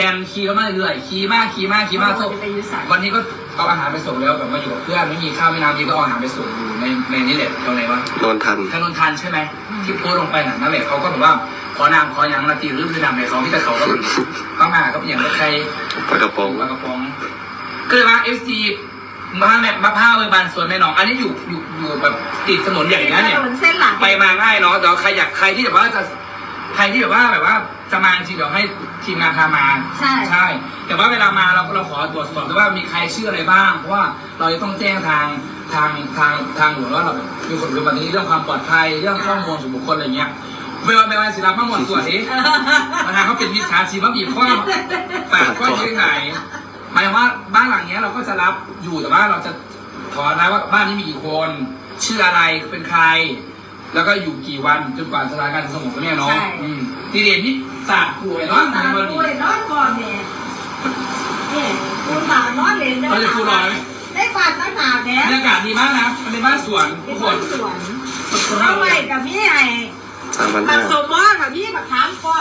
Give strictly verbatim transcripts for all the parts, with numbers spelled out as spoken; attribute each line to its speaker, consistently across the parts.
Speaker 1: แอนขี่ก็มาเรื่อยขี่มากขี่มากขี่มากวันนี้ก็เอาอาหารไปส่งแล้วแบบมาอยู่กับเพื่อนไม่มีข้าวไม่น้ำดีก็เอาอาหารไปส่งอยู่ในในนี่แหละตรงไหนวะ
Speaker 2: นนทัน
Speaker 1: ถนนทันใช่ไหมที่โพสลงไปน่ะนั่นแหละเขาก็แบบว่าขอนามขออย่างนาทีหรือคือนามในเขาที่แต่เขาก็เข้ามาก็อย่างใคร
Speaker 2: ปลากระป๋อง
Speaker 1: ปลากระป๋องก็เลยว่าเอฟซีมาแบบมาผ้าเบอร์บานสวนแม่น้องอันนี้อยู่อยู่อยู่แบบติดถนนอย่างนี้เนี่ยไปมาง่ายเนาะแต่ใครอยากใครที่แบบว่าจะใครที่แบบว่าแบบว่าจะมาจริงเดี๋ยวให้ทีมงานพามาใช่ใช่แต่ว่าเวลามาเราเราขอตรวจสอบด้วยว่ามีใครชื่ออะไรบ้างเพราะว่าเราจะต้องแจ้งทางทางทางทางหลวงว่าเรามีคนรู้แบบนี้เรื่องความปลอดภัยเรื่องข้อมูลส่วนบุคคลอะไรเงี้ยไม่ว่าไม่ว่าศิลปะหมดส่วนนี้ปัญหาเขาเป็นมิจฉาชีพว่าบีบข้อปากข้อยืดไหนหมายว่าบ้านหลังนี้เราก็จะรับอยู่แต่ว่าเราจะขอนะว่าบ้านนี้มีกี่คนชื่ออะไรเป็นใครแล้วก็อยู่กี่วันจนกว่าสถานการณ์จะสงบเนี่ยเนาะที่เรียนที่ศาสตร์ป่วยเนาะ
Speaker 3: สามป่วยนอนก่อนเนี่ยนี่คุณสามนอนเล่นได้
Speaker 1: เราจะครูรอไหม
Speaker 3: ได้ฟันตั้งนานเนี่ย
Speaker 1: บรรยากาศดีมากนะมันเป็นบ้านสวนทุกคน
Speaker 3: สวนเอาไว้กับพี่ไอ้
Speaker 2: สามพัน
Speaker 3: ปั
Speaker 2: ห้าก
Speaker 3: สมมอกับพี่ปักขามก้อน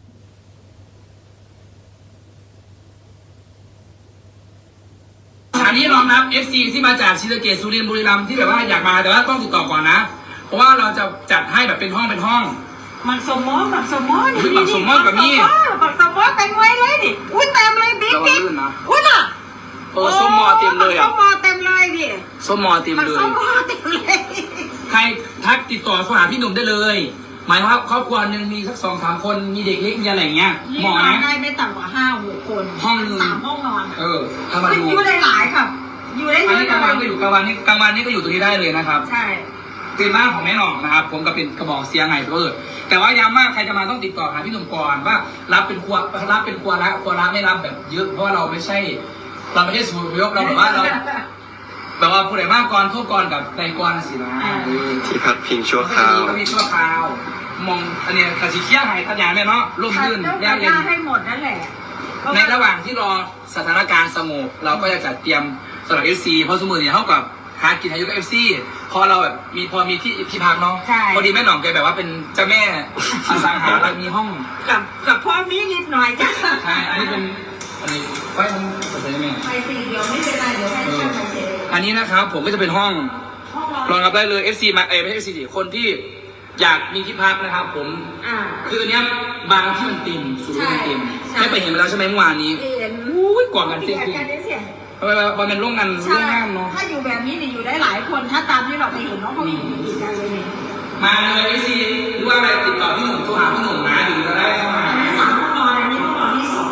Speaker 1: อันนี้รองรับ เอฟ ซี ที่มาจากศรีสะเกษสุรินทร์บุรีรัมย์ที่แบบว่าอยากมาแต่ว่าต้องติดต่อก่อนนะเพราะว่าเราจะจัดให้แบบเป็นห้องเป็นห้อง
Speaker 3: ปักสมมอปักสมมอนี่
Speaker 1: ปักสมมอกับนี่
Speaker 3: ปักสมมอเป็นไว้เลยดิอุ้ยเต็มเลยบิ๊กบิ๊กอุ้ยน่ะ
Speaker 1: โอ้ส้มมอเต็มเลย
Speaker 3: ส้
Speaker 1: อ่ะ
Speaker 3: มมอเต็มเลยดิ
Speaker 1: ส้มมอเต็ม
Speaker 3: ปัก
Speaker 1: เล
Speaker 3: ส้
Speaker 1: ย
Speaker 3: มมอเต็มเลย
Speaker 1: ใครทักติดต่อเข้าหาพี่หนุ่มได้เลย หมายว่าครอบครัวหนึ่งมีสักสองสามคนมีเด็กเล็กมีอะไรอย่างเงี้ย
Speaker 3: นี่
Speaker 1: เหมาะ
Speaker 3: นอน
Speaker 1: นะ
Speaker 3: ได้ไม่ต่ำกว่าห้าหกคน
Speaker 1: ห้องนึง
Speaker 3: สามห้องนอน
Speaker 1: เออถ้ามาดู
Speaker 3: อยู่ได้หลายครับ อยู่ได้เย
Speaker 1: อัน
Speaker 3: อะ
Speaker 1: นี้กลางวันก็อยู่กลางวันนี่กลางวันนี่ก็อยู่ตรงนี้ได้เลยนะครับ
Speaker 3: ใช่
Speaker 1: เป็นบ้านของแม่หน่องนะครับ ผมก็เป็นกระบอกเสียงไงเออแต่ว่าย้ำว่าใครจะมาต้องติดต่อหาพี่หนุ่มก่อนว่ารับเป็นครัวรับเป็นครัวละครัวละไม่รับแบบเยอะเพราะว่าเราไม่ใช่ เราไม่ใช่สูตรยกเราแบบว่าเราแบบว่าผู้ใดมากก่อนโทษก่อนกับใจก่อนสินะ
Speaker 2: ที่พักพิงชั่วคราว
Speaker 1: ก็มีชั่วคราว มองอันเนี้ยกระสีเคี้ยหายขยายแม่เนาะร่มรื่น
Speaker 3: ย่า
Speaker 1: ย่าเย็น
Speaker 3: ให้หมดนั่นแหละ
Speaker 1: ในระหว่างที่รอสถานการณ์สงบเราก็จะจัดเตรียมสำหรับเอฟซีเพราะสมมติเนี่ยเท่ากับหากินอายุกับเอฟซีพอเราแบบมีพอมีที่ที่พักเนาะพอดีแม่หน่องแกแบบว่าเป็นเจ้าแม่อสังหาแล้วมีห้อง
Speaker 3: กับกับพ่อมีนิดหน่อยจ้ะ
Speaker 1: ใช่อันนี้เป็นอันนี้ไฟมันเปิดได้ไหม
Speaker 3: ไปสิเดี๋ยวไม่เป็นไรเดี๋ยวให้ช่างไปเสร็จ
Speaker 1: อันนี้นะครับผมก็จะเป็นห้อง
Speaker 3: ห้อง
Speaker 1: รองรับได้เลย เอฟ ซี มาเอไม่ใช่ เอฟ ซี สิคนที่อยากมีที่พักนะครับ ผม
Speaker 3: อ่า
Speaker 1: คืออันเนี้ยบางที่มันเต็มสุดที่มันเต็ม
Speaker 3: ใช่
Speaker 1: ไม่ไปเห็นไปแล้วใช่ไหมเมื่อวานนี้
Speaker 3: เห็น
Speaker 1: อุ้ยกว่างกัน
Speaker 3: เสี
Speaker 1: เต็
Speaker 3: ย
Speaker 1: มจริง
Speaker 3: กันได้เสีย
Speaker 1: เพราะว่ามันเป็นโรงงานโรงงานเนาะ
Speaker 3: ถ้าอยู่แบบนี้นี่อยู่ได้หลายคน ถ้าตามที่เราไปเห็นน้องเขาอยู่ติดกันเลยเนี่ย
Speaker 1: มาเลย เอฟ ซี หรือว่าอะไรติดต่อพี่หนุ่มโทรหาพี่หนุ่มนะอยู่จะได้เข้ามา
Speaker 3: อันนี้สามห้องนอนอันนี้ห้องนอนที่สอง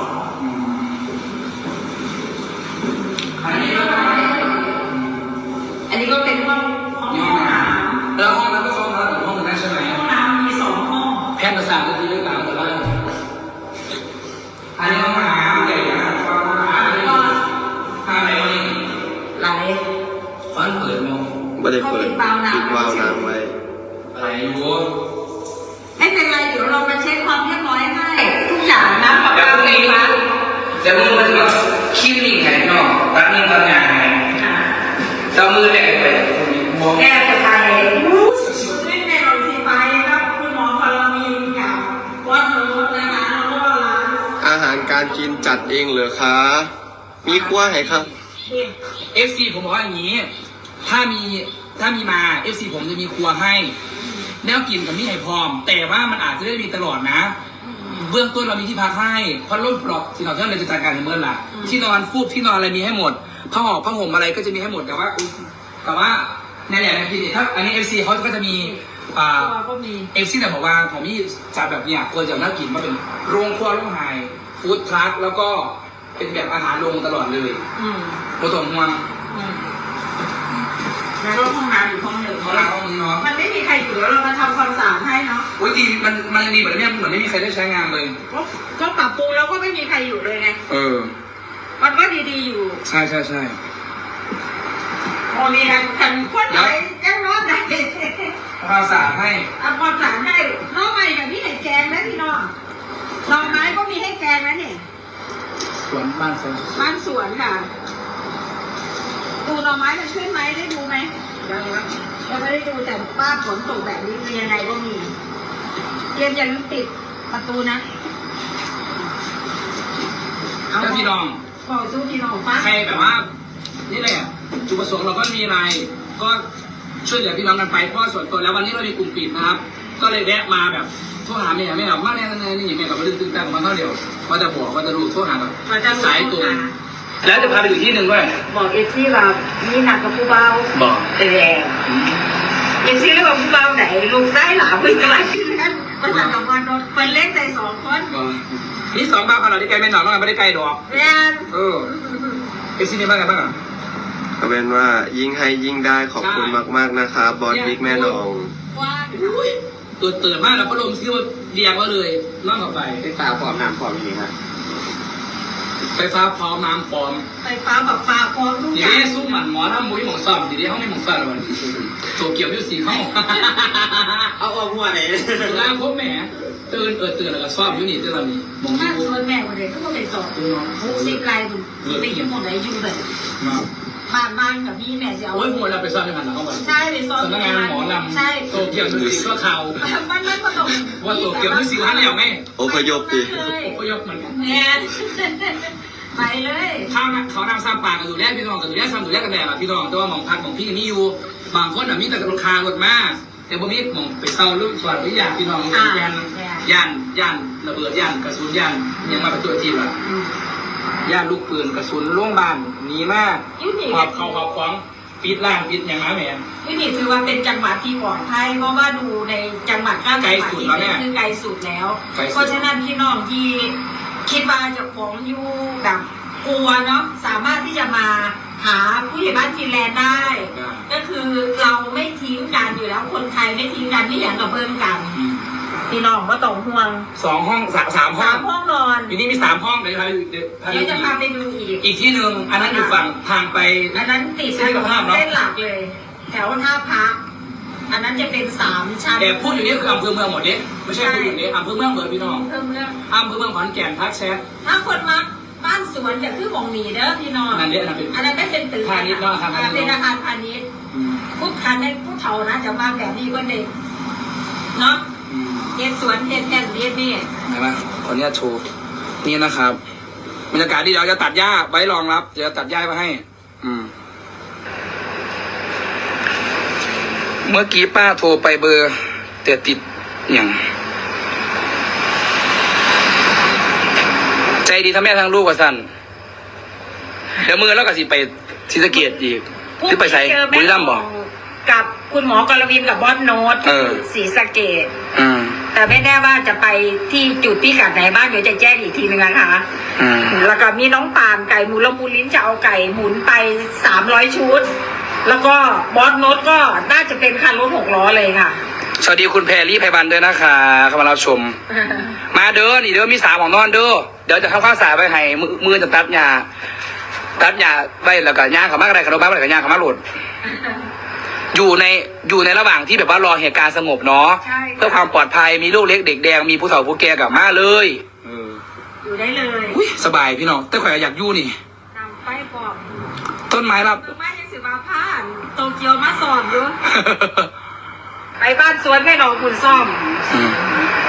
Speaker 1: อันนี้ก็
Speaker 3: อันนี้ก็เป็นห้องห้อง
Speaker 1: มีห้องน้ำแล้วห้องนั้นก็เข้ามาถึงห้องนั้นใช่ไหม
Speaker 3: ห้องน้ำมีสองห้อง
Speaker 1: แพทย์ประสาทก็คือเรื่องตามแต่ละอันนี้ห้องน้ำใหญ่นะครับห้องน้ำอะไรอะไรวะนี่
Speaker 3: ไหล
Speaker 1: ฟันเปิดมั้ง
Speaker 2: ไม่ได้เปิดปิดวาล์วน้ำไว้
Speaker 1: อะไรอยู่
Speaker 3: ไม่เป็นไรเดี๋ยวเรามาเช็คความเรียบร้อยให้ทุกอย่างนะปรับปรุงเองนะ
Speaker 1: จะมือมันแบบคิ้วนิ่งไงเนาะตัดนิ่งตัดงานไงจะมือแดงไปมอง
Speaker 3: แก้จะไปรู้สึกซึ่งในโรงพยาบาลครับคุณหมอพลมีกับวัดโน้ตนะคะแล้วก็ร้าน
Speaker 2: อาหารการกินจัดเองเหรอคะ มีครัวให้ครับ
Speaker 1: เอฟซีผมบอกว่าอย่างนี้ ถ้ามีถ้ามีมาเอฟซีผมจะมีครัวให้แนวกินกับมีให้พร้อม แต่ว่ามันอาจจะไม่ได้มีตลอดนะ เบื้องต้นเรามีที่พักให้เพราะร่มปลอกที่เราเท่าเราจะจัดการในเมื่อไหร่ที่นอนฟูกที่นอนอะไรมีให้หมดผ้าห่อผ้าห่มอะไรก็จะมีให้หมดแต่ว่าแต่ว่าในแหล่งในที่ถ้าอันนี้เอฟซีเขาก็จะมีอ่า
Speaker 3: ตัวก็มี
Speaker 1: เอฟซีแต่บอกว่าผมมีจัดแบบเนี้ยควรจะน่ากินมาเป็นโรงครัวโรงไฮฟู้ดทรัคแล้วก็เป็นแบบอาหารลงตลอดเลย
Speaker 3: อืม
Speaker 1: โคตรห่วง
Speaker 3: อืมแล้วก็ห้องน้ำอยู่ห้องหนึ่ง
Speaker 1: เขาล้างห้องนี้เนาะ
Speaker 3: มันไม่มีใครอยู่แล้วเรามาทำความสะอาดให้เนาะ
Speaker 1: อุ้ยดีมันมันยังดีแบบนี้เหมือนไม่มีใครได้ใช้งานเลย
Speaker 3: ก็ก็ปรับปรุงแล้วก็ไม่มีใครอยู่เลยไง
Speaker 1: เออ
Speaker 3: มันก็ดีๆอยู่
Speaker 1: ใช่ใช่ใช่
Speaker 3: โอ้มีกันกันคนไหนแจ้งน้องไหน
Speaker 1: ความสะอาดให้
Speaker 3: เอาความสะอาดให้น้องใหม่กับพี่ไหนแกงนะพี่น้องหน่อไม้ก็มีให้แกงนะเนี่ย
Speaker 1: สวนบ้านสวน
Speaker 3: บ้านสวนค่ะ ดูหน่อไม้มันขึ้นไหมได้ดูไหมยังยังไม่ได้ดูแต่ป้าฝนตกแบบนี้คือยังไงก็มีเตรียมอย่าลืมปิดประตูนะ
Speaker 1: ถ้าพี่น้อง
Speaker 3: บอกสู้พี่น้องฟัง
Speaker 1: ใครแบบว่านี่แหละจุดประสงค์เราก็มีอะไร ก็ช่วยเหลือพี่น้องกันไปเพราะส่วนตัวแล้ววันนี้เรามีกลุ่มปิดนะครับ ก็เลยแวะมาแบบโทรหาแม่แม่แบบมาแน่แน่นี่แม่แบบมาดึงตึงตังมาเท่าเดียวว่าจะบอกว่าจะรู้โทรหาแบบสายตัวแล้วจะพาไปอยู่ที่หนึ่งด้วย
Speaker 3: บอกเอซี่ว่ามีหนักกับผู้เบา
Speaker 1: บอก
Speaker 3: แต่แรงเอซี่เรียกว่าผู้เบาไหนลูกได้หลาพึ่งอะไรนั่นประสานกับวันนเป็นเล็กใจสองคน
Speaker 1: นี่สองบ้าขนาดที่ไกลไม่หนอกน้องไม่ได้ไกลดอก
Speaker 3: แรง
Speaker 1: เออเอซี่นี่บ้างไงบ้างอ่ะ
Speaker 2: ก็เป็นว่ายิ่งให้ยิ่งได้ขอบคุณมากๆนะครับบอสบิ๊กแม่น้อง
Speaker 3: ว่า
Speaker 1: ตัวเตือนมากแล้วพัดลมซื้อมาเรียงไว้เลยล่องเข้าไป
Speaker 4: ไฟฟ้าพร้อมน้ำพร้อมอย่างนี้ครับ
Speaker 1: ไฟฟ้าพร้อมน้ำพร้อม
Speaker 3: ไฟฟ้าแบบฟ้าพร้อมทุก
Speaker 1: ที
Speaker 3: อย่าง
Speaker 1: นี้ซุ้มหมันหมอทำมุ้ยหมองซ่อมทีนี้เขาไม่หมองซ่อมแล้วมันโตเกียวอยูสีเข้า
Speaker 4: เอาเอาหัวไหน
Speaker 1: ล่างพบแหมตื่นเออตื่นแล้วก็ซ่อมอยู่นี่ที่เรามีมอง
Speaker 3: ถ้า
Speaker 1: ที่
Speaker 3: ชวนแม่วันเด็กก็ต้องไปสอบหกสิบลายบุญไปยุ่งหมดเลยยุ่งเลยบ้านบ้านกับพี่แม่จะเอา
Speaker 1: โอ้ยหัวเราไปซ่อมที่มันแล้วเข้าไป
Speaker 3: ใช่ไปสอบ
Speaker 1: สำนักงานหมอลำ
Speaker 3: ใช่
Speaker 1: โตเกียวอยูสีก็เขา
Speaker 3: มันมันก็ต้อง
Speaker 1: ว่าโตเกียวอยูสีร้านแล้วไง
Speaker 2: อพยพดิ
Speaker 1: ก็ยกเหมือนกัน
Speaker 3: แม่ไปเลย
Speaker 1: ข้าวเขานำซ้ำปากกันอยู่แรกพี่น้องกันอยู่แรกซ้ำอยู่แรกกันแดดอ่ะพี่น้องแต่ว่าหมองพักของพี่นี่อยู่บางคนอ่ะมีแต่รถคารถมาแต่บ่มีหมองไปเศร้าลูกสวัสดิ์อยากพี่น้องยันยันยันระเบิดยันกระสุนยันยังมาเป็นตัวทีละยันลูกปืนกระสุนล่วงบานหนีมาก
Speaker 3: ยุนี่
Speaker 1: ขอบเขาขอบฟ้องปิดล่างปิดอย่างน้าแม่
Speaker 3: ยุนี่ถือว่าเป็นจังหวัดที่ปลอดภัยเพราะว่าดูในจังหวัดข้างจังหวัดที่เป็นคือไกลสุดแล้ว เพราะฉะนั้นพี่น้องที่คิดว่าจะของอยู่แบบกลัวเนาะสามารถที่จะมาหาผู้ใหญ่บ้านฟินแลนด์ได้ ก็คือเราไม่ทิ้งกันอยู่แล้วคนไทยไม่ทิ้งกันไม่อย่างกับเพิ่มกันพี่น้องก็ต้องห่วง
Speaker 1: สองห้องสามสามห้อ
Speaker 3: สาง มห้องนอน
Speaker 1: อยู่นี่มีสามห้องเดี๋ยวพาไปเดี๋ยวพาไป
Speaker 3: เดี๋ยวจะ
Speaker 1: อี
Speaker 3: พาก ไปดูอีก
Speaker 1: อีกที่หนึ่งอันนั้นอยู่ฝั่งทางไป
Speaker 3: อันนั้นติดถนนเส้นหลักเลย แถวท่าพระอันนั้นจะเป็นสามชั้น
Speaker 1: แต่พูดอยู่นี่คืออำเภอเมืองหมดเนี่ยไม่ใช่พูดอยู่นี่อำเภอเมืองเหมือนพี่น้อง
Speaker 3: เพิ่มเรื่อง
Speaker 1: อำเภอเมืองขอนแก่นทักแชท
Speaker 3: ถ้าคนมาบ้านสวนจะคือของหนีเด้อพี่น้อง
Speaker 1: อันนั้นเนี่ยอันนั้นเป็น
Speaker 3: อันนั้นไม่เป็นตึก
Speaker 1: พาณิชย์เนาะอาคารพาณิชย์
Speaker 3: เป็นอาคารพาณิชย์ผู้คันในผู้เฒ่านะจะมาแบบนี้ก็เด็กเนาะเฮ็ดสวนเฮ็ดแท่นเฮ็ดนี่
Speaker 1: เห็นไหมขออนุญาตโชว์นี่นะครับบรรยากาศที่เดี๋ยวจะตัดหญ้าไว้รองรับเดี๋ยวตัดหญ้ามาให้ อืม เมื่อกี้ป้าโทรไปเบอร์แต่ติดอย่างใจดีทั้งแม่ทั้งลูกว่าสั้นเดี๋ยวมือแล้วก็สิไปศรีสะเกษอีกหรือไปใส่บุรีรัมย์บอก
Speaker 3: กับคุณหมอกรวินกับบอสโน้ต
Speaker 1: เออ
Speaker 3: ศรีสะเกษ
Speaker 1: อืม
Speaker 3: แต่ไม่แน่ว่าจะไปที่จุดพิกัดไหนบ้างเดี๋ยวจะแจ้งอีกทีนึงนะคะ
Speaker 1: อืม
Speaker 3: แล้วก็มีน้องปาล์มไก่หมุนละมูลลิ้นจะเอาไก่หมุนไปสามร้อยชุด แล้วก็บอสโน้ตก็น่าจะเป็นคันรถหกล้อเลยค่ะ
Speaker 1: สวัสดีคุณแพรรี่ไพบันด้วยนะคะเข้ามารับชม มาเด้อนี่เด้อมีสามของนอนเด้อเดี๋ยวจะทำข้าวสารไปให้มือมือจะตัดหญ้าตัดหญ้าไปแล้วก็ย่างเขามากอะไรขนมบ้าอะไรก็ย่างเขามาหลุดอยู่ในอยู่ในระหว่างที่แบบว่ารอเหตุการณ์สงบเนาะ
Speaker 3: ใช่
Speaker 1: เพื่อความปลอดภัยมีลูกเล็กเด็กแดงมีผู้เฒ่าผู้แก่กลับมาเลย
Speaker 2: เออ
Speaker 3: อยู่ได้เลย
Speaker 1: อุ้ยสบายพี่น้องแต่ข่อยอยากอยู่นี่
Speaker 3: นำไปบอก
Speaker 1: ต้นไม้รับ
Speaker 3: คือไม่ยังสิมาผ่านโตเกียวมาสอนอยู่ ไปบ้านสวนแม่หนองคุณซ่อม
Speaker 1: อืม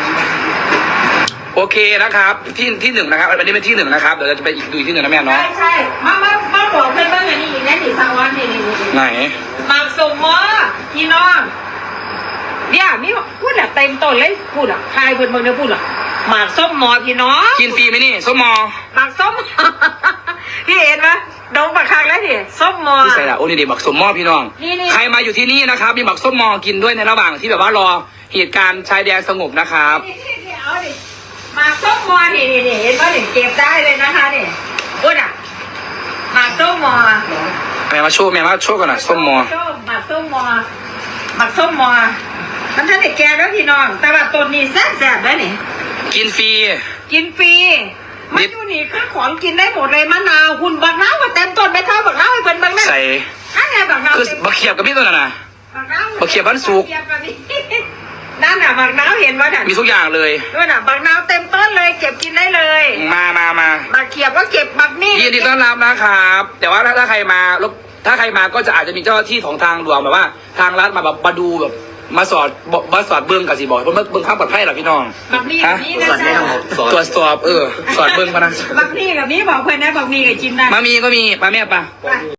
Speaker 1: โอเคนะครับ ที่ที่หนึ่งนะครับอันนี้เป็นที่หนึ่งนะครับเดี๋ยวเราจะไปอีกดูอีกที่หนึ่งนะแม่เนาะ
Speaker 3: ใช่ใช่มามามาบอกเพื่อนบ้างอันนี้อีกแน่สีสาวอนนี่นี่นี่
Speaker 1: ไหน
Speaker 3: หมากสมมอพี่น้องเนี่ยมีพูดอะเต็มต้นเลยพูดอะทายเพื่อนเมืองเนี่ยพูดอะหมากส้มมอพี่น้อง
Speaker 1: กินฟรีไหมนี่ส้มมอ
Speaker 3: หมากส้ม พี่เห็นไหมดงปากคักแล้วสิส้มมอ
Speaker 1: ที่ใส่ละโอ้นี่เด็กบักส้มมอพี่น้อง
Speaker 3: นี่นี่
Speaker 1: ใครมาอยู่ที่นี่นะครับ มีบักส้มมอกินด้วยในระหว่างที่แบบว่ารอเหตุการณ์ชายแดนสงบนะครับ
Speaker 3: นี่นี่นี่เอาดิหมากส้มมอนี่นี่นี่เห็นไหมนี่เก็บได้เลยนะคะนี่พูดอะหมากส้มมอ
Speaker 1: แม่มาโชว์แม่มาโชว์กันหน่อยส้มมอ
Speaker 3: ส้มหมากส้มมอหมากส้มมอมันท่านเด็กแก่แล้วพี่น้อง แต่ว่าต้นนี้แซ่บๆแล้วนี่
Speaker 1: กินฟรี
Speaker 3: กินฟรีมันอยู่นี่คือของกินได้หมดเลยมะนาวคุณบักนาวมาเต็มต้นไปเท่าบักนาวให้เพิ่นเบิ่งนั่น
Speaker 1: ใส่
Speaker 3: อันไหนบักนาว
Speaker 1: คือ
Speaker 3: เต็ม
Speaker 1: บักเขียบกับพี่ตัวน่ะนะ
Speaker 3: บักนาว
Speaker 1: บักเขียบบ้านสุก
Speaker 3: บัเขียบกับนี่ นั่นน่ะบักนาวเห็นว่าน่ะ
Speaker 1: มีทุกอย่างเลย
Speaker 3: ด้วยน่ะบักนาวเต็มต้นเลยเก็บกินได้เลย
Speaker 1: มามามา
Speaker 3: บักเขียบก็เก็บบักนี่
Speaker 1: ยินดีต้อนรับนะครับ แต่ว่าถ้าถ้าใครมารบถ้าใครมาก็จะอาจจะมีเจ้าหน้าที่ของทางหลวงแบบว่า ทางรัฐมาแบบมาดูแบบมาสอดบมาสอดเบิ้งกับสิบอกเพราะเบิ้งข้ามปลอดภัยหรอพี่น้อง
Speaker 3: บักนี่
Speaker 1: ฮะ
Speaker 3: กับนี่นะจ๊ะ
Speaker 1: ตรวจสอบเออสอดเบิ้งปะนะ
Speaker 3: บักนี่กับนี่บอกเพื่อนนะบักนี่กับจินได้
Speaker 1: มามีก็มีปลาแม่ปะ